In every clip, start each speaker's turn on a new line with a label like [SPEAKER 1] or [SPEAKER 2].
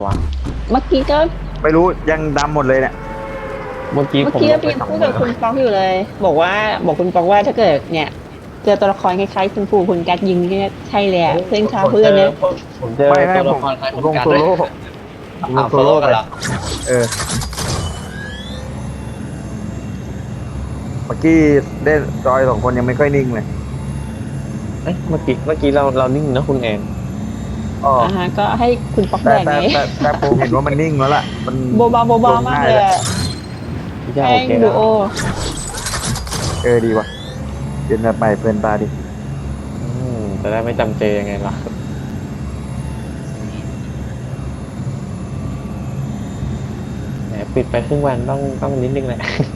[SPEAKER 1] วะ
[SPEAKER 2] เมื่อกี้ก็
[SPEAKER 3] ไม่รู้ยังดำหมดเลยเนี่ย
[SPEAKER 1] เมื่อกี้ผมล
[SPEAKER 2] ก็
[SPEAKER 1] งไป
[SPEAKER 2] ยัง
[SPEAKER 1] สอง
[SPEAKER 2] พูด
[SPEAKER 1] มื
[SPEAKER 2] กับ
[SPEAKER 1] อ
[SPEAKER 2] คุณป๊อกอยู่เลย บอกคุณป๊อกว่าถ้าเกิดเนี่ยเจอตัวละครคล้ายๆคุณปู่คุณกัดยิงเนี่ยใช่เลยอะเพื่อนชาวเพื่อนเนี่ย
[SPEAKER 1] ผมเจอ
[SPEAKER 3] ไม่
[SPEAKER 1] ตัวละ
[SPEAKER 3] ผม
[SPEAKER 1] ครคล้าย
[SPEAKER 3] ผ
[SPEAKER 1] คุ
[SPEAKER 3] ม
[SPEAKER 1] ณ
[SPEAKER 3] ลง
[SPEAKER 1] กัน
[SPEAKER 3] โซ
[SPEAKER 1] ด้วย
[SPEAKER 3] โล่ผมลงโซโล่ไปเออเมื่อกี้เล่นจอย2 คนยังไม่ค่อยนิ่งเลย
[SPEAKER 1] เอ้ยเมื่อกี้เรานิ่งนะคุณแอน
[SPEAKER 3] อ๋อ
[SPEAKER 2] ฮะก็ให้คุณป๊อก
[SPEAKER 3] แต่
[SPEAKER 2] แบก
[SPEAKER 3] แต่
[SPEAKER 2] ไง
[SPEAKER 3] แต่ผมเห็นว่ามันนิ่งแล้วล่ะมัน
[SPEAKER 2] โบบาโบบามากเลยอะ
[SPEAKER 1] พี่จะ
[SPEAKER 2] แป้
[SPEAKER 1] โอง เค
[SPEAKER 2] ดู
[SPEAKER 1] แล้ว
[SPEAKER 2] โอ
[SPEAKER 3] ดีว่ะเป็นแบบใหม่เพลินตาดิ
[SPEAKER 1] จะได้ไม่จำเจยังไงล่ะแหมปิดไปครึ่งวันต้องนิดนึงแหละ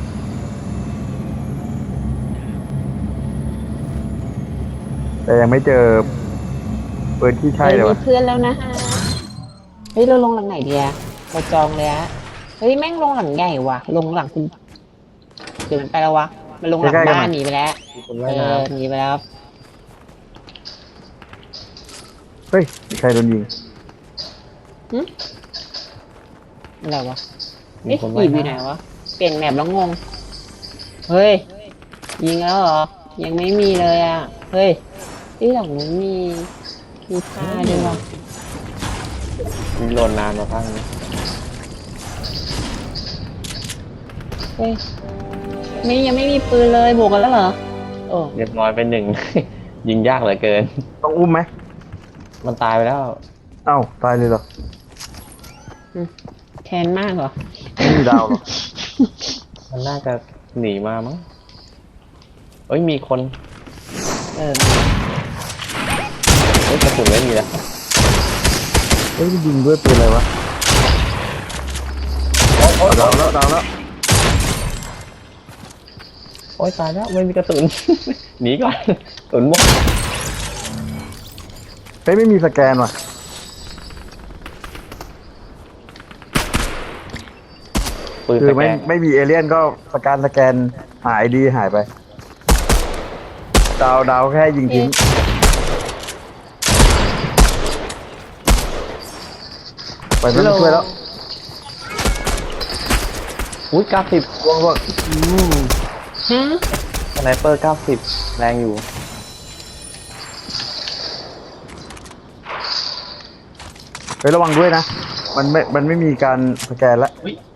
[SPEAKER 3] แต่ยังไม่เจอปืนที่ใช่เลย
[SPEAKER 2] มี
[SPEAKER 3] ว่ะ
[SPEAKER 2] เพื่อนแล้วนะฮะเฮ้ยเราลงหลังไหนดีอะเราจองเลยอะเฮ้ยแม่งลงหลังใหญ่ว่ะลงหลังคุณเดี๋ยวมันไปแล้ววะมันลงหลังบ้านหนีไปแล้ว
[SPEAKER 1] มีคนว่ายน้
[SPEAKER 2] หนีไปแล้ว
[SPEAKER 3] เฮ้ยมีใครโดนยิง
[SPEAKER 2] อะไรวะ
[SPEAKER 1] ำมี
[SPEAKER 2] เอ๊ะ
[SPEAKER 1] คน
[SPEAKER 2] ห
[SPEAKER 1] ว่า
[SPEAKER 2] นี
[SPEAKER 1] ย
[SPEAKER 2] ไปไหน
[SPEAKER 1] น้ำ
[SPEAKER 2] วะเปลี่ยนแมปแล้วงงเฮ้ยยิงแล้วเหรอยังไม่มีเลยอ่ะเฮ้ยที่หลังนู้นมีผ้าด้วยวะ
[SPEAKER 1] มีโหลดนานมาพังนี้
[SPEAKER 2] เฮ้ยยังไม่มีปืนเลยบวกกันแล้วเหรอโอ้
[SPEAKER 1] เรียบร้อยไป1 ยิงยากเหลือเกิน
[SPEAKER 3] ต้องอุ้มไหม
[SPEAKER 1] มันตายไปแล้ว
[SPEAKER 3] เอ้าตายเลยเหรอ
[SPEAKER 2] แค้นมากเหรอ
[SPEAKER 3] ไม่มีดาวเหรอ
[SPEAKER 1] มันน่าจะหนีมามั้งเอ้ยมีคน
[SPEAKER 2] เออ
[SPEAKER 1] เอ้ยกระสุนไม่มีแล้ว
[SPEAKER 3] เฮ้ยมันยิงด้วยปืนอะไรวะดาวแล้ว
[SPEAKER 1] โอ้ยตายแล้วไม่มีกระสุน หนีก่อนกระสุนหมด
[SPEAKER 3] เฮ้ยไม่มีสแกนว่ะ
[SPEAKER 1] ปืน
[SPEAKER 3] คือ
[SPEAKER 1] สแก
[SPEAKER 3] ไม่
[SPEAKER 1] น
[SPEAKER 3] มีเอเลี่ยนก็สแกนหายดีหายไปดาวแค่ยิงทิ้งไปไม่ช่วยแล้ว
[SPEAKER 1] อุ้ย90
[SPEAKER 3] ว่าง
[SPEAKER 2] ฮะ
[SPEAKER 1] สไนเปอร์90แรงอยู่
[SPEAKER 3] เฮ้ยระวังด้วยนะมันไม่มีการสแกนละ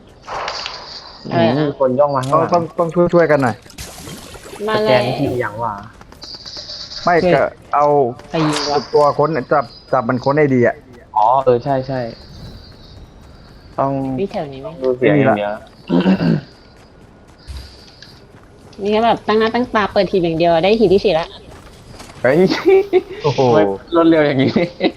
[SPEAKER 1] มีคนย่องมาข้างหลัง
[SPEAKER 3] ต้องช่วยกันหน่อย
[SPEAKER 2] มา
[SPEAKER 1] ส
[SPEAKER 2] เล
[SPEAKER 1] แก
[SPEAKER 2] ย
[SPEAKER 1] นที่อย่างว่า
[SPEAKER 3] ไม่ก็เอา
[SPEAKER 2] ใครยิงวะ
[SPEAKER 3] ตัวค้นจับมันค้นไอดีอ่ะ
[SPEAKER 1] อ๋อใช่ต้อง
[SPEAKER 2] พี่แถวนี้ไหม
[SPEAKER 1] ดูเสียงอย่างเดียว
[SPEAKER 2] นี่ก็แบบตั้งหน้าตั้งตาเปิดทีอย่างเดียวได้ทีที่4ละ
[SPEAKER 1] เฮ้ย
[SPEAKER 3] โอ้โห
[SPEAKER 1] ทำไมรวดเร็วอย่างนี้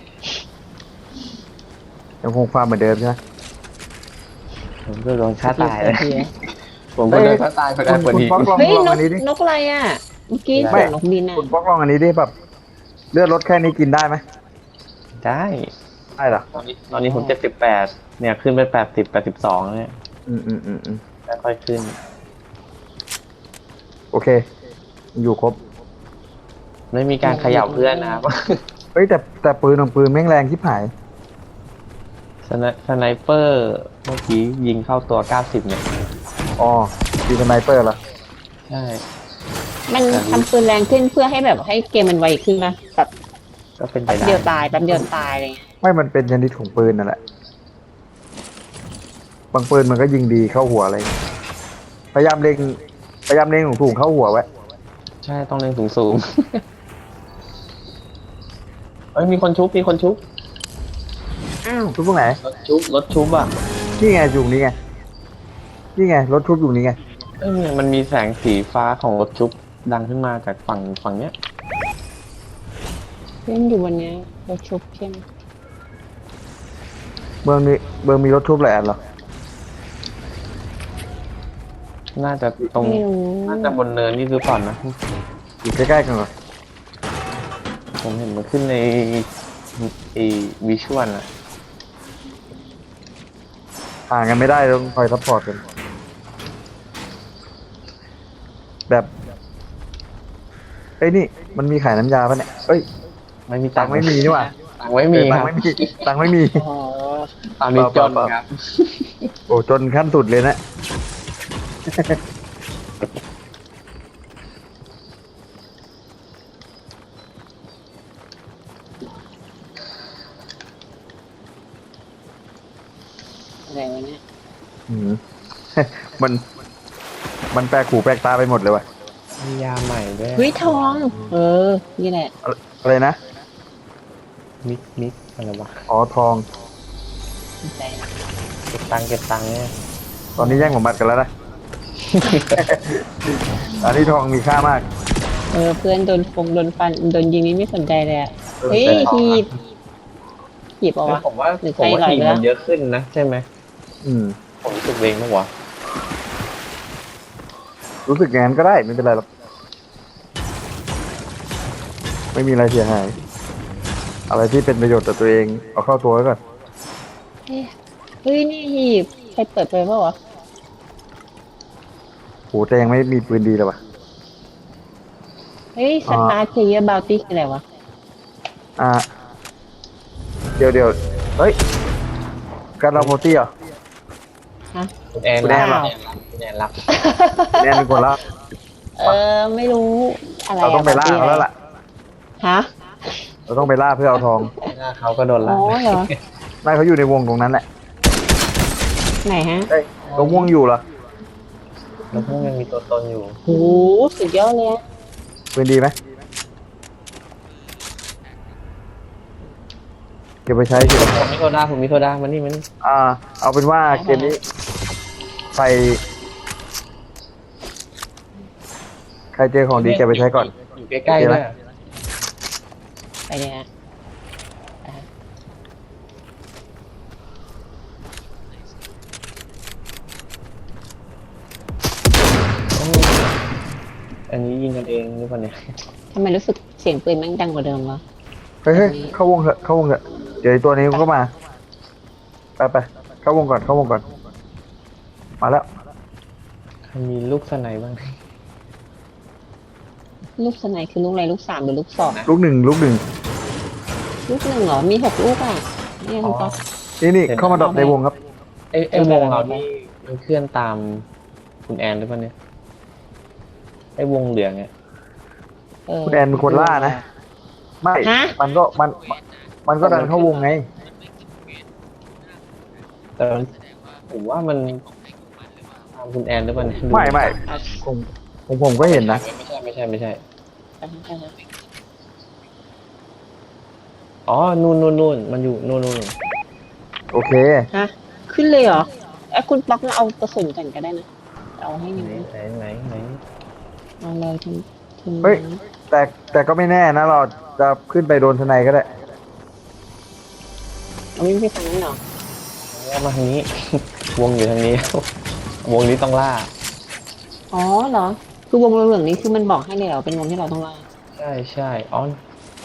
[SPEAKER 3] ยังคงความเหมือนเดิมใช่ไหม
[SPEAKER 1] ผมก็โดนฆ่าตายเลย
[SPEAKER 2] ทีละ
[SPEAKER 1] ผมก็โดนฆ่าตายไปได้พอดี
[SPEAKER 3] คุณป๊อกลอง
[SPEAKER 2] เฮ้ย
[SPEAKER 3] ลอง
[SPEAKER 2] น
[SPEAKER 3] อั
[SPEAKER 2] ก
[SPEAKER 3] นนี้ดิ
[SPEAKER 2] นกอะไรอ่ะเมื่อกี้
[SPEAKER 1] ไม่
[SPEAKER 2] เสียงนกบินอ่ะ
[SPEAKER 3] คุณป๊อกลองอันนี้ดิแบบเลือดลดแค่นี้กินได้ไหม
[SPEAKER 1] ได้
[SPEAKER 3] ได้เหรอ
[SPEAKER 1] ตอนนี้ผม78เนี่ยขึ้นไป82เนี่ย
[SPEAKER 3] อืม
[SPEAKER 1] ค่อยๆขึ้น
[SPEAKER 3] โอเค อยู่ครบ
[SPEAKER 1] ไม่มีการเขย่าเพื่อนนะครับ
[SPEAKER 3] เฮ้ยแต่ปืนของปืนแม่งแรงที่ผาย
[SPEAKER 1] สไนเปอร์เมื่อกี้ยิงเข้าตัว90เนี่ย
[SPEAKER 3] อ๋อดีสไนเปอร์เหรอ
[SPEAKER 1] ใช่
[SPEAKER 2] มันทำปืนแรงขึ้นเพื่อให้แบบให้เกมมันไวขึ้นป่ะแบบ
[SPEAKER 1] ก็เป็นไป
[SPEAKER 2] แป๊บ
[SPEAKER 1] ได้
[SPEAKER 2] เดียวตายแป๊บเดียวตายอะไรเงี้ย
[SPEAKER 3] ไม่มันเป็นชนิดของปืนนั่นแหละบางปืนมันก็ยิงดีเข้าหัวอะไรอย่างเงี้ยพยายามเล็งถูกเข้าหัวไว้
[SPEAKER 1] ใช่ต้องเล็งสูงๆเอ้ยมีคนชุบ
[SPEAKER 3] อ้าวทุกตรงไหน
[SPEAKER 1] รถชุบอ่ะ
[SPEAKER 3] นี่ไงอยู่นี่ไงรถทุบอยู่นี่ไง
[SPEAKER 1] เอ้ยมันมีแสงสีฟ้าของรถชุบดังขึ้นมาจากฝั่งเนี้ย
[SPEAKER 2] เล่นอยู่วันเนี้ยเราชุบใช่ไหม
[SPEAKER 3] เมืองมีรถทุบหลายอันเหรอ
[SPEAKER 1] น่าจะตรง
[SPEAKER 2] ไม่รู้
[SPEAKER 1] น่าจะบนเนินนี่หรือเปล่านะ
[SPEAKER 3] อยู่ใกล้ๆกันเหรอ
[SPEAKER 1] ผมเห็นมันขึ้นในวิชวลอะ
[SPEAKER 3] ห่างกันไม่ได้ต้องคอยซัพพอร์ตกันแบบเอ้ยนี่มันมีขายน้ำยาปะเนี่ยเอ้ย
[SPEAKER 1] ไม่มี
[SPEAKER 3] ตังค์ไม่มีนี่หว่า
[SPEAKER 1] ตังค์ไม่มี
[SPEAKER 3] ตั
[SPEAKER 1] ค
[SPEAKER 3] ง
[SPEAKER 1] รับ
[SPEAKER 3] ค์ไม่มีตังค์ไม่มี
[SPEAKER 2] อ๋อ
[SPEAKER 1] ตอนนี้จนครับ
[SPEAKER 3] โอ้จนขั้นสุดเลยนะ
[SPEAKER 2] อะไรวะเนี่ย
[SPEAKER 3] อืม มัน มันแปลกหูแปลกตาไปหมดเลยว่ะ
[SPEAKER 1] มียาใหม่ด้วย
[SPEAKER 2] เฮ้ยทอง เออ นี่แหละ
[SPEAKER 3] อะไรนะ
[SPEAKER 1] มิกอะไรวะ
[SPEAKER 3] อ๋อทอง
[SPEAKER 2] สนใจนะ
[SPEAKER 1] เก็บตังค์เนี่ย
[SPEAKER 3] ตอนนี้แย่งผมบัตรกันแล้วนะ อันนี้ทองมีค่ามาก
[SPEAKER 2] เออ เพื่อนโดนโดนฟัน โดนยิงนี่ไม่สนใจเลยอะ
[SPEAKER 3] เออ
[SPEAKER 2] เฮ้ย
[SPEAKER 3] แต่ทอง
[SPEAKER 2] หีบเอาวะ
[SPEAKER 1] ผมว่า
[SPEAKER 2] หรือ
[SPEAKER 1] ผมว่า
[SPEAKER 2] ใคร
[SPEAKER 1] ทีม
[SPEAKER 2] หลอยไปแล้ว
[SPEAKER 1] มันเยอะขึ้นนะใช่ไหม
[SPEAKER 3] อืม
[SPEAKER 1] ผมรู้สึกเองมั้งวะ
[SPEAKER 3] รู้สึกอย่างนั้นก็ได้ไม่เป็นไรหรอก ไม่มีอะไรเสียหาย อะไรที่เป็นประโยชน์ต่อตัวเอง เอาเข้าตัวไว้ก่อน
[SPEAKER 2] เฮ้ย นี่หีบ ใครเปิดไปเปล่าวะ
[SPEAKER 3] โหแต่ยังไม่มีปืนดีเลยว่ะ
[SPEAKER 2] เฮ้ยสตาร์ทเพย์บาวตี้คืออะไรวะ
[SPEAKER 3] อ่า เดี๋ยว เฮ้ย การเราโมตี้เหรอ
[SPEAKER 2] ฮะ
[SPEAKER 1] คุณแอน
[SPEAKER 3] คุณแอนเหรอ
[SPEAKER 1] คุณแอนรับ
[SPEAKER 3] แน่นเป็นคนละ
[SPEAKER 2] เออ ไม่รู้อะไร
[SPEAKER 3] เราต้องไปล่าเขาแล้วล่ะ
[SPEAKER 2] ฮะ
[SPEAKER 3] เราต้องไปล่าเพื่อเอาทอง
[SPEAKER 1] หน้าเขาก็โดน
[SPEAKER 2] อ๋
[SPEAKER 1] ละ
[SPEAKER 2] อเหรอ
[SPEAKER 3] น่าเขาอยู่ในวงตรงนั้นแหละ
[SPEAKER 2] ไหนฮะ
[SPEAKER 3] เฮ้ยตรงม่วงอยู่เหรอ
[SPEAKER 1] แล้วพวกยังมีตัวตนอยู่
[SPEAKER 2] โหสุดยอดเลยอะ
[SPEAKER 3] ปืนดีไหมเก็บไปใช้สิ
[SPEAKER 1] ผมมีโซดามันนี่
[SPEAKER 3] เอาเป็นว่าเกมนี้ใครเจอของดีเก็บไปใช้ก่อน
[SPEAKER 1] อยู่ใกล้ๆด้วย
[SPEAKER 2] ไปเลยฮะ
[SPEAKER 1] อันนี้ยิงกันเองหรือเปล่าเนี่ย
[SPEAKER 2] ทำไมรู้สึกเสียงปืนแม่งดังกว่าเดิมวะ
[SPEAKER 3] เฮ้ยเข้าวงเถอะ เดี๋ยวไอ้ตัวนี้มันก็มา ไปเข้าวงก่อน มาแล้ว
[SPEAKER 1] ใครมีลูกสไนบ้าง
[SPEAKER 2] ลูกสไนคือลูกอะไรลูก3หรือลูก2
[SPEAKER 3] ลูกหนึ่ง
[SPEAKER 2] ลูก1เหรอ มี6ลูกอ่ะนี่คุณป๊อก
[SPEAKER 3] นี่เข้ามาดรอปในวงครับ
[SPEAKER 1] ไอ้วงเรานี่มันเคลื่อนตามคุณแอนหรือเปล่าเนี่ยไอ้วงเหลืองเนี่ย
[SPEAKER 3] คุณแอนเป็นคนล่านะ ไม่
[SPEAKER 2] ฮะ
[SPEAKER 3] มันก็ดันเข้าวงไง
[SPEAKER 1] แต่ผมว่ามันตามคุณแอนหรือเปล่าเนี่ยดู
[SPEAKER 3] ไม่ผมก็เห็นนะ
[SPEAKER 1] ไม่ใช่อ๋อนู่นมันอยู่นู่น
[SPEAKER 3] โอเค
[SPEAKER 2] ฮะ ขึ้นเลยเหรอไอ้คุณป๊อกมาเอากระสุนกันก็ได้นะ เอาให้หนึ่ง
[SPEAKER 1] ไหน
[SPEAKER 2] เอาเลยที
[SPEAKER 3] เฮ้ย แต่ก็ไม่แน่นะเราจะขึ้นไปโดนทนายก็ได้
[SPEAKER 2] เอาไม่ไปทางนั้นเหรอ
[SPEAKER 1] เอามาทางนี้ วงอยู่ทางนี้ วงนี้ต้องล่า
[SPEAKER 2] อ๋อเหรอ คือวงเหลืองๆนี้คือมันบอกให้เลยเหรอ เป็นวงที่เราต้องล่า
[SPEAKER 1] ใช่อ๋อ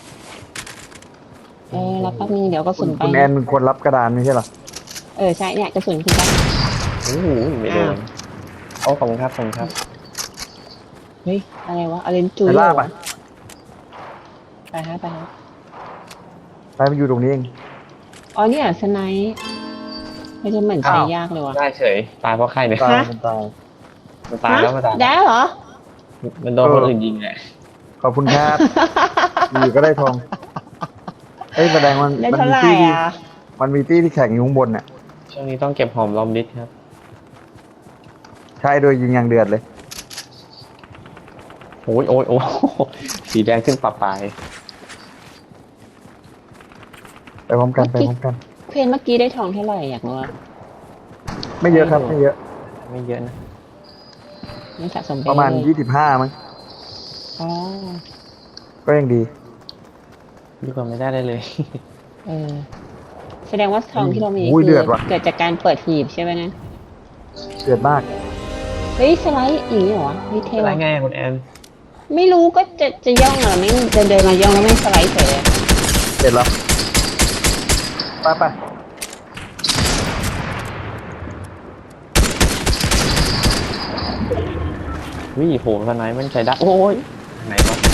[SPEAKER 2] แล้วแป๊บนึงเดี๋ยวกระสุนไป
[SPEAKER 3] คุณแอนเป็นคนรับกระดานไม่ใช่เหรอ
[SPEAKER 2] ใช่เนี่ยกระสุนคุณป๊อก
[SPEAKER 1] โอ้โหไม่โดนขอบคุณครับ
[SPEAKER 2] เฮ้ย อะไรวะอะไรจุย
[SPEAKER 3] ไป
[SPEAKER 2] เหร
[SPEAKER 3] ล่า
[SPEAKER 2] อ
[SPEAKER 3] ไป
[SPEAKER 2] ไปฮะ
[SPEAKER 3] ไปมันอยู่ตรงนี้เอง
[SPEAKER 2] อ๋อเนี่ยสไนป์ไม่ใช่เหมือนใช้ยากเลยวะ
[SPEAKER 1] ได้เฉยตายเพราะใครเนี่ย
[SPEAKER 3] ตาย
[SPEAKER 2] ฮะ
[SPEAKER 3] มันตาย
[SPEAKER 1] มันตายแล้วมันตาย
[SPEAKER 2] ได้เหรอ
[SPEAKER 1] มันโดนคนอื่นยิงแหละ
[SPEAKER 3] ขอบคุณครับ อยู่ก็ได้ทอง เฮ้ยแสดงมัน
[SPEAKER 2] ได้
[SPEAKER 3] มัน
[SPEAKER 2] เท่า
[SPEAKER 3] มี
[SPEAKER 2] ไหร่
[SPEAKER 3] ตี้ที่
[SPEAKER 2] อ่ะ
[SPEAKER 3] มันมีตี้ที่แข่งอยู่ข้างบนน่ะ
[SPEAKER 1] ช่วงนี้ต้องเก็บหอมรอมริดครับ
[SPEAKER 3] ใช่โดยยิงอย่างเดือดเลย
[SPEAKER 1] โอ้ยสีแดงขึ้นปะปลาย
[SPEAKER 3] ไปพร้อมกัน
[SPEAKER 2] เพนเมื่อกี้ได้ทองเท่าไหร่อยากรู้ว่า
[SPEAKER 3] ไม่เยอะครับ ไม่เยอะ
[SPEAKER 1] ไม่เยอะนะ
[SPEAKER 2] ไม่สะสมไป
[SPEAKER 3] ประมาณ
[SPEAKER 2] เลย
[SPEAKER 3] 25มั้ง
[SPEAKER 2] อ๋อ
[SPEAKER 3] ก็ยังดี
[SPEAKER 1] ดีกว่าไม่ได้เลย
[SPEAKER 2] เออ แสดงว่าทองที่เรามี
[SPEAKER 3] อุ้ย
[SPEAKER 2] คื
[SPEAKER 3] เดือดว่ะ
[SPEAKER 2] เกิดจากการเปิดหีบใช่ไหมนะ
[SPEAKER 3] เดือดมาก
[SPEAKER 2] เฮ้ยสไลด์อีกเหรอวะเฮ้ยเท่
[SPEAKER 1] อะไร
[SPEAKER 2] ว่ะ
[SPEAKER 1] ไงคุณแอน
[SPEAKER 2] ไม่รู้ก็จะย่องเหรอไม่เดินมาย่องแล้วไม่สไลด์เฉยเลย
[SPEAKER 3] เสร็จแล้ว ไป
[SPEAKER 1] วิ่โหสไนมันใช้ได้โอ้ยไหนวะ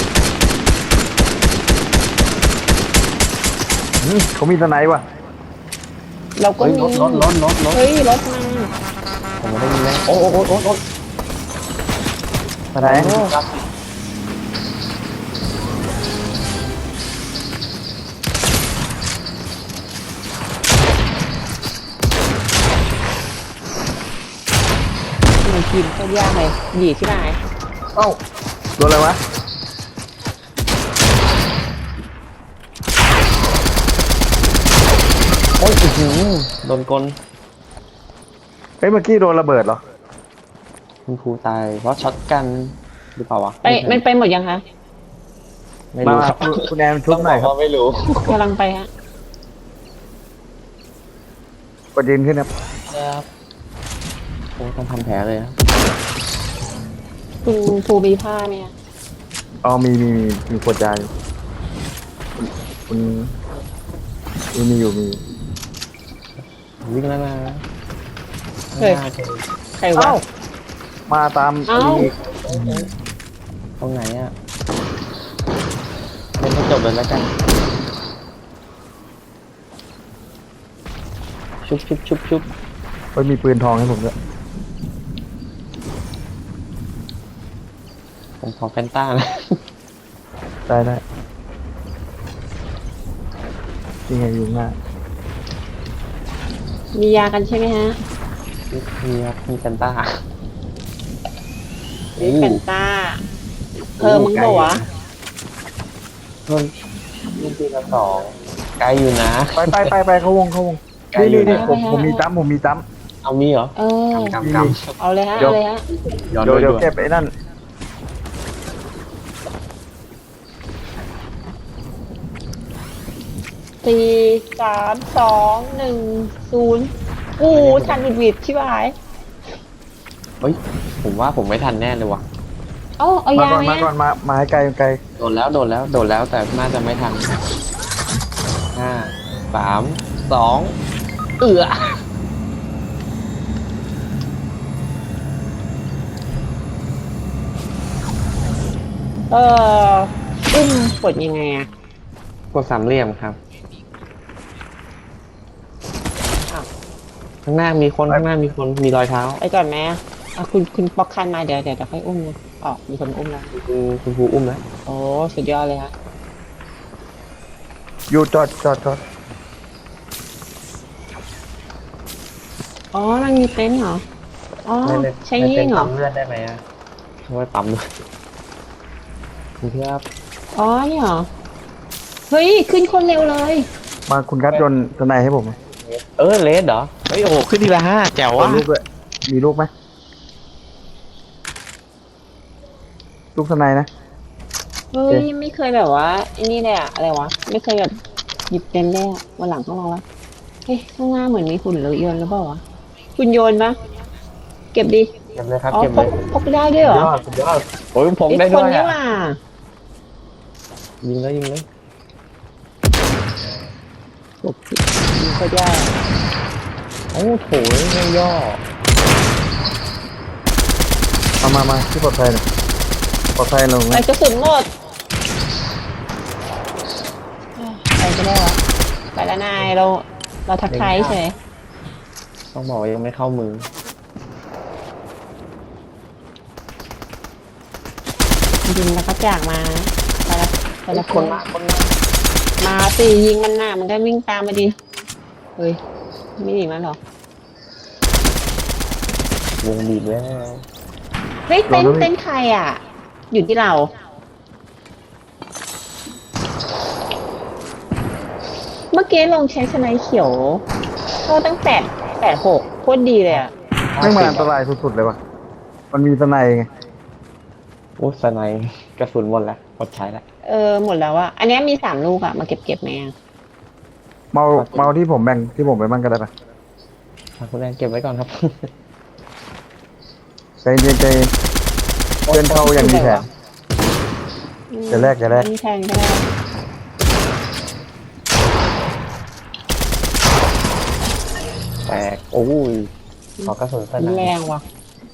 [SPEAKER 3] เขามีสไนป์ว่ะ
[SPEAKER 2] มเราก็
[SPEAKER 1] เฮ้ย
[SPEAKER 2] มี
[SPEAKER 1] รถ
[SPEAKER 2] เฮ้ยรถมา
[SPEAKER 1] ผมไม่ได้ยินเลยโอ้มาไหน
[SPEAKER 2] มันกินก็ยากเลยหยีที่ไหน
[SPEAKER 3] เอ้าโดนอะไรวะ
[SPEAKER 1] โอ้ยโดนกล
[SPEAKER 3] เฮ้ยเมื่อกี้โดนระเบิดเหรอ
[SPEAKER 1] คุณครูตายเพราะช็อตกันหรือเปล่าวะ
[SPEAKER 2] ไปมันไปหมดยังคะ
[SPEAKER 1] ไม่
[SPEAKER 3] มา
[SPEAKER 1] รู้ครับ
[SPEAKER 3] คุณแอนชุบหน่อยครับ
[SPEAKER 1] ไม่รู้
[SPEAKER 2] กำลังไปฮะ
[SPEAKER 3] กดยืนขึ้นครับ
[SPEAKER 1] ครับโอ้ต้องทำแผลเลยครับ
[SPEAKER 2] คุณภูมีผ้าไหมฮะ
[SPEAKER 3] อ๋อมีขวดยาอยู่คุณมีอยู่
[SPEAKER 1] วิ่งแล้วนะ
[SPEAKER 2] เฮ้ยใครวะ
[SPEAKER 3] เอ้ามาตาม
[SPEAKER 2] เอ้า
[SPEAKER 3] นี่
[SPEAKER 1] ตรงไหนอ่ะเล่นให้จบเลยแล้วกันชุบ
[SPEAKER 3] เฮ้ยมีปืนทองให้ผมด้วย
[SPEAKER 1] ผมขอแฟนต้านะ
[SPEAKER 3] ได้ยังไงอยู่หน้า
[SPEAKER 2] มียากันใช่ไหมฮะ
[SPEAKER 1] มีครับมีแฟนต้า
[SPEAKER 2] มีแฟนต้าเพิ่มมึงบอกวะ
[SPEAKER 1] รุ่นปีละสองไกลอยู่นะ
[SPEAKER 3] ไปเข้าวง
[SPEAKER 1] ไกลอยู่
[SPEAKER 3] นี่
[SPEAKER 1] นะ
[SPEAKER 3] ผมมีจ้ำ
[SPEAKER 1] เอามีเหรอ
[SPEAKER 2] เออ
[SPEAKER 1] กำ
[SPEAKER 2] เอาเลยฮะ
[SPEAKER 3] เดี๋ยว
[SPEAKER 2] เอาเลยฮะ
[SPEAKER 1] ย้อน
[SPEAKER 3] เดี๋ยว
[SPEAKER 1] ด้วย
[SPEAKER 3] เก็บไอ้นั่น
[SPEAKER 2] 4 3 2 1 0อู้ชันวิดชิบหาย
[SPEAKER 1] เฮ้ยผมว่าผมไม่ทันแน่เลยว่ะ
[SPEAKER 2] เอา
[SPEAKER 3] มาย
[SPEAKER 2] เอาา
[SPEAKER 3] ก่อน
[SPEAKER 2] ไหม
[SPEAKER 3] มาก่อนมาให้ไกล
[SPEAKER 1] โดนแล้วแต่น่าจะไม่ทัน5 3 2
[SPEAKER 2] เอออุ้มกดยังไงอะ
[SPEAKER 1] กดสามเหลี่ยมครับ ข้างหน้ามีคนมีรอยเท้า
[SPEAKER 2] ไปก่อนไหมอะคุณปอกคันมาเดี๋ยวค่อยอุ้มนะออกมีคนอุ้มแล้ว
[SPEAKER 1] คุณครูอุ้มแล้ว
[SPEAKER 2] โอ้สุดยอดเลยฮะ
[SPEAKER 3] อยู่จอด
[SPEAKER 2] อ๋อมันมีเต็นท์เหรออ๋อใช้ยิงเหรอ
[SPEAKER 1] ปั๊มเลือดได้ไหมอ่ะเอาไว้ปั๊มด้วยคุณครับ
[SPEAKER 2] อ๋อนี่เหรอเฮ้ยขึ้นคนเร็วเลย
[SPEAKER 3] มาคุณกัดยนต์ทนายให้ผมไหม
[SPEAKER 1] เลสเหรอเฮ้ยโอ้โหขึ้นทีละ5แจ๋ว
[SPEAKER 3] เอา
[SPEAKER 1] ว่ะ
[SPEAKER 3] ลูกด้วยมีลูกไหมลูกทนายนะ
[SPEAKER 2] เฮ้ยไม่เคยแบบว่าไอ้นี่เลยอะอะไรวะไม่เคยแบบหยิบเต็นท์เลยอะวันหลังต้องลองละเฮ้ยข้างหน้าเหมือนมีหุ่นเลยโยนหรือเปล่าวะคุณโยนปะเก็บดิ
[SPEAKER 1] เก็บเลยครับ
[SPEAKER 2] อ๋อ
[SPEAKER 1] เก็บ
[SPEAKER 2] พ
[SPEAKER 1] เล
[SPEAKER 2] ก
[SPEAKER 1] ย
[SPEAKER 2] พกได้ด้วยเหรอ
[SPEAKER 1] สุดยอดโอ้ยผม
[SPEAKER 2] ไอ้
[SPEAKER 1] ได้
[SPEAKER 2] ค
[SPEAKER 1] ด้
[SPEAKER 2] น
[SPEAKER 1] วย
[SPEAKER 2] นี่
[SPEAKER 1] อ่ะ
[SPEAKER 2] ว่า
[SPEAKER 1] ยิงเลย
[SPEAKER 2] โอ้โหยิงโคตรยาก
[SPEAKER 1] โอ้โถไม่ย่อ
[SPEAKER 3] มาที่ปลอดภัยหน่อยปลอดภัยลง
[SPEAKER 2] ไป
[SPEAKER 3] นะ
[SPEAKER 2] กระสุนหมดไปก็ได้วะไปแล้วนายเราทักทายเฉย
[SPEAKER 1] ต้องบอกว่ายังไม่เข้ามือ
[SPEAKER 2] จริงๆแล้วก็จากมาแต่ละ
[SPEAKER 1] คนมา
[SPEAKER 2] มาสิยิงมันหน้ามันก็วิ่งตามมาดิเฮ้ยไม่หนีมันหรอ
[SPEAKER 1] วงบีบแล้ว
[SPEAKER 2] เฮ้ยเต้นใครอ่ะ อยู่ที่เรา เมื่อกี้ลองใช้สไนเขียวก็ตั้ง8 8 6โคตรดีเลยอ่ะ
[SPEAKER 3] ไม่มาอันตรายสุดๆเลยว่ะมันมีทนายไง
[SPEAKER 1] โอ้สไนกระสุนหมดแล้วหมดใช้แล้ว
[SPEAKER 2] หมดแล้วอ่ะอันเนี้ยมี3 ลูกอ่ะมาเก็บไหมอ่ะ
[SPEAKER 3] เมาที่ผมแบ่งที่ผมไปมั่งก็ได้ปะ
[SPEAKER 1] คุณแอนเก็บไว้ก่อนครับ
[SPEAKER 3] ใจเย็นเพื่อนเข้ายังมีแผน อย่าแลก
[SPEAKER 2] มีแทนก็ได้
[SPEAKER 1] แตกโอ้ยขอกระสุนสไน
[SPEAKER 2] แรงว่ะ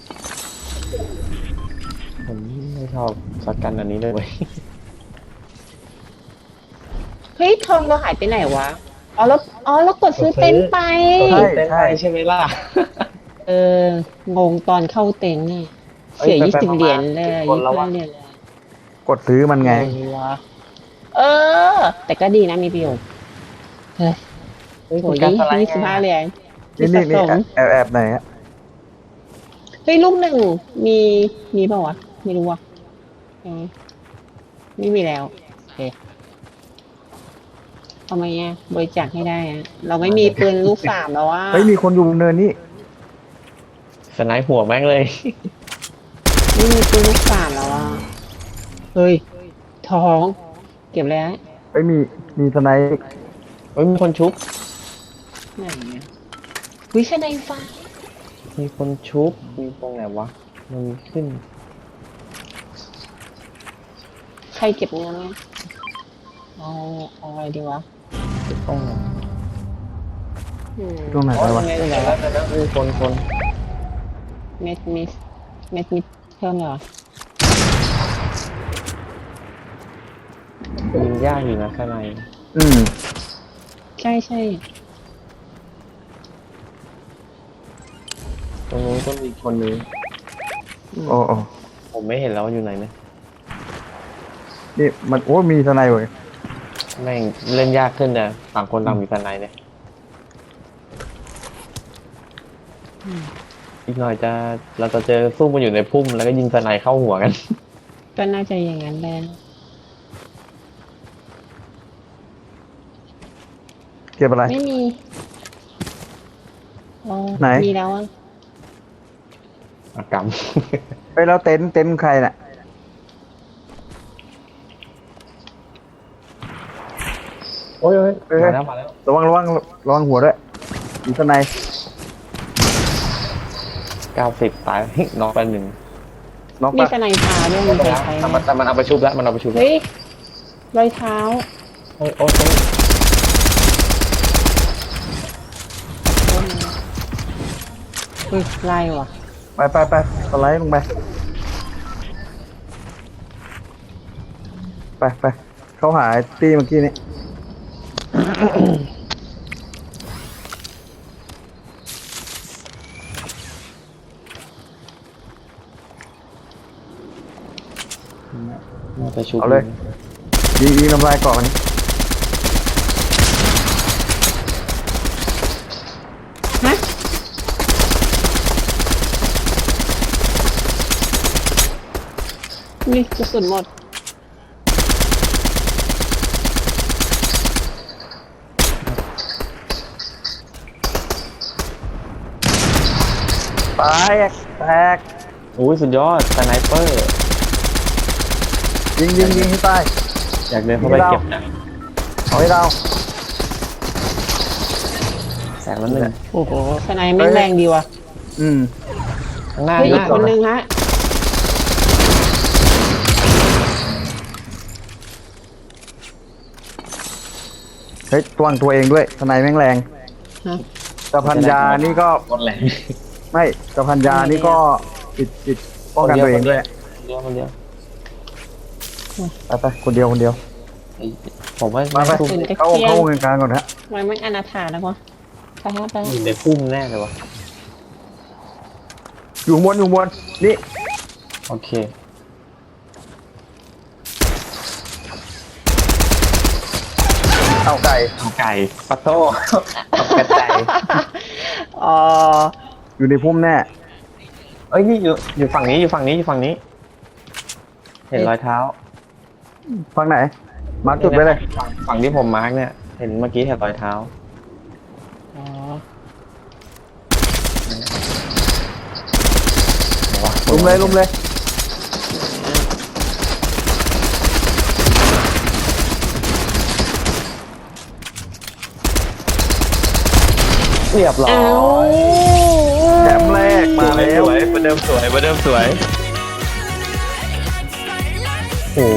[SPEAKER 1] ผมไม่ชอบช็อตกันอันนี้เลยเว้ย
[SPEAKER 2] เฮ้ยทองเราหายไปไหนวะ อแล้วกดซื้อเต็นท์ไป
[SPEAKER 1] ใช่ใช่ใช่ไหมล่ะ
[SPEAKER 2] งงตอนเข้าเต็นท์เนี่ย
[SPEAKER 1] เอ้ย
[SPEAKER 2] เสีย
[SPEAKER 1] ไป
[SPEAKER 2] 20
[SPEAKER 1] ๆมาๆ
[SPEAKER 2] เหรียญเลย
[SPEAKER 1] 10คนแล้ววะ
[SPEAKER 2] 25เหรียญเลย
[SPEAKER 3] กดซื้อมันไง
[SPEAKER 2] เออ แต่ก็ดีนะมีประโยชน์เฮ้ย
[SPEAKER 1] เฮ้ย
[SPEAKER 2] โห
[SPEAKER 1] คุณการสไลด์
[SPEAKER 2] 25เหรียญ
[SPEAKER 3] นี่
[SPEAKER 2] ที่
[SPEAKER 3] นี่
[SPEAKER 2] สะ
[SPEAKER 3] นี่
[SPEAKER 2] สม
[SPEAKER 3] แอบไหนฮะ
[SPEAKER 2] เฮ้ยลูกหนึ่งมีเปล่าวะไม่รู้ว่ะไม่มีแล้วโอเคทำไมอ่ะบริจาคให้ได้อะเราไม่มีปืนลูก 3แล้วว่า
[SPEAKER 3] เฮ้ยมีคนอยู่บนเนินนี่
[SPEAKER 1] สไนป์หัวแม่งเลย
[SPEAKER 2] ไม่มีปืนลูก 3แล้วอ่ะเฮ้ยท้องเก็บแล้ว
[SPEAKER 3] เฮ้ยมีสไนป์
[SPEAKER 1] เฮ้ยมีคนชุบ
[SPEAKER 2] ไหนเนี่ยวิชาในฟ้า
[SPEAKER 1] มีคนชุบ มีตรงไหนวะ มันมีขึ้น
[SPEAKER 2] ใครเก็บเงินเนี่ยเอาอะไรดีวะ
[SPEAKER 1] ตรงไหน
[SPEAKER 3] ตรงไหน
[SPEAKER 1] อ๋อ
[SPEAKER 3] วะ
[SPEAKER 1] ยังไงแล้วมีคน
[SPEAKER 2] เม็ดมิดเพิ่มเหรอ
[SPEAKER 1] ยิงยากอยู่นะข้างใน
[SPEAKER 3] อืม
[SPEAKER 2] ใช่
[SPEAKER 1] ตรงนู้นก็มีคนนึง
[SPEAKER 3] โอ้โอ้
[SPEAKER 1] ผมไม่เห็นแล้วว่าอยู่ไหนนะ
[SPEAKER 3] นี่มันโอ้มีสไนป์เว้ย
[SPEAKER 1] แม่งเล่นยากขึ้นนะต่างคนต่างมีสไนป์เนี่ยอีกหน่อยเราจะเจอซุ่มมันอยู่ในพุ่มแล้วก็ยิงสไนป์เข้าหัวกัน
[SPEAKER 2] ก็น่าจะอย่างนั้นแหละ
[SPEAKER 3] เก็บอะไร
[SPEAKER 2] ไม่มีอ๋อ
[SPEAKER 3] ไหน
[SPEAKER 2] มีแล้วอ่ะ
[SPEAKER 1] อากรรม
[SPEAKER 3] เฮ้ยแล้วเต็นท์ใครน่ะ
[SPEAKER 1] โอ้ย
[SPEAKER 3] เฮ้ย
[SPEAKER 1] มาแล้ว
[SPEAKER 3] ระวังหัวด้วยมีสไนป์
[SPEAKER 1] 90 ตาย น็อกไปหนึ่ง
[SPEAKER 3] น็อก
[SPEAKER 2] มี
[SPEAKER 3] ปะ
[SPEAKER 2] สไนเปอร์ด้วยมีใครใช้
[SPEAKER 1] แต่มันเอาไปชุบแล้วมันเอาไปชุบแล้ว
[SPEAKER 2] เฮ้ยรอยเท้า
[SPEAKER 1] โอ้ย
[SPEAKER 2] เฮ้ยไล่ว่ะ
[SPEAKER 3] ไปสไลด์ลงไปไปเขาหาไอ้ตี้เมื่อกี้นี้
[SPEAKER 1] มันไปชุบ
[SPEAKER 3] เอาเลยยิงน้ำลายก่อนนี้
[SPEAKER 2] ฮะนี่กระสุนหมด
[SPEAKER 3] แตก
[SPEAKER 1] โอ้ยสุดยอดสไนเปอร์
[SPEAKER 3] ยิงให้ตาย
[SPEAKER 1] อยากเดินเข้าไปเก็บนะ
[SPEAKER 3] เอาให้เรา
[SPEAKER 1] แสงแล้วหนึ่ง
[SPEAKER 2] โอ้โหสไนไม่งแรงดีว่ะ
[SPEAKER 3] อืม
[SPEAKER 1] ข้างหน้า
[SPEAKER 2] เฮ้ย
[SPEAKER 1] ห
[SPEAKER 2] อี
[SPEAKER 1] น้าก
[SPEAKER 2] คนนึงฮะ
[SPEAKER 3] เฮ้ยตวงตัวเองด้วยทนายแม่งแรง
[SPEAKER 2] ฮะ
[SPEAKER 3] กระพันยานี่ก็
[SPEAKER 1] หมดแหละ
[SPEAKER 3] ไม่กระพันยานี่ก็ติดป้องกันตัวเองด้วย
[SPEAKER 1] คนเดียว
[SPEAKER 3] ไปคนเดียว
[SPEAKER 1] ผมว่า
[SPEAKER 3] มาไป
[SPEAKER 1] พุ่ม
[SPEAKER 3] เข้าวงกลางก่อนฮะ
[SPEAKER 2] ทำไมไม่อนาถาแล้ววะไปฮะไป
[SPEAKER 1] อยู่ในพุ่มแน่เลยวะ
[SPEAKER 3] อยู่บนนี่
[SPEAKER 1] โอเค
[SPEAKER 3] เอาไก่
[SPEAKER 1] เอาไก่ปัตโต้เอากระไก่
[SPEAKER 2] อ๋อ
[SPEAKER 3] อยู่ในพุ่มแน่
[SPEAKER 1] เอ้ยนี่อยู่ฝั่งนี้อยู่ฝั่งนี้ เห็นรอยเท้า
[SPEAKER 3] ฟังไหน มาร์คจุดไปเลย
[SPEAKER 1] ฝั่งที่ผมมาร์กเนี่ย เห็นเมื่อกี้เห็นรอยเท้า
[SPEAKER 2] อ๋อ
[SPEAKER 3] ลุมเลย
[SPEAKER 1] เรียบร้อย
[SPEAKER 2] เอ้า
[SPEAKER 3] แถมแรกมาแล้ว
[SPEAKER 1] สวยประเดิมสวยโอ้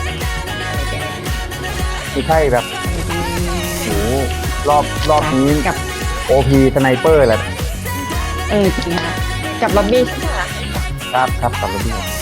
[SPEAKER 3] ไม่ใช่แบบโอ้รอบนี้
[SPEAKER 2] กับ
[SPEAKER 3] OP สไนเปอร์แหละ
[SPEAKER 2] จริงฮะกับล็อบบี้ใช่ไหม
[SPEAKER 3] ครับกลับมาที่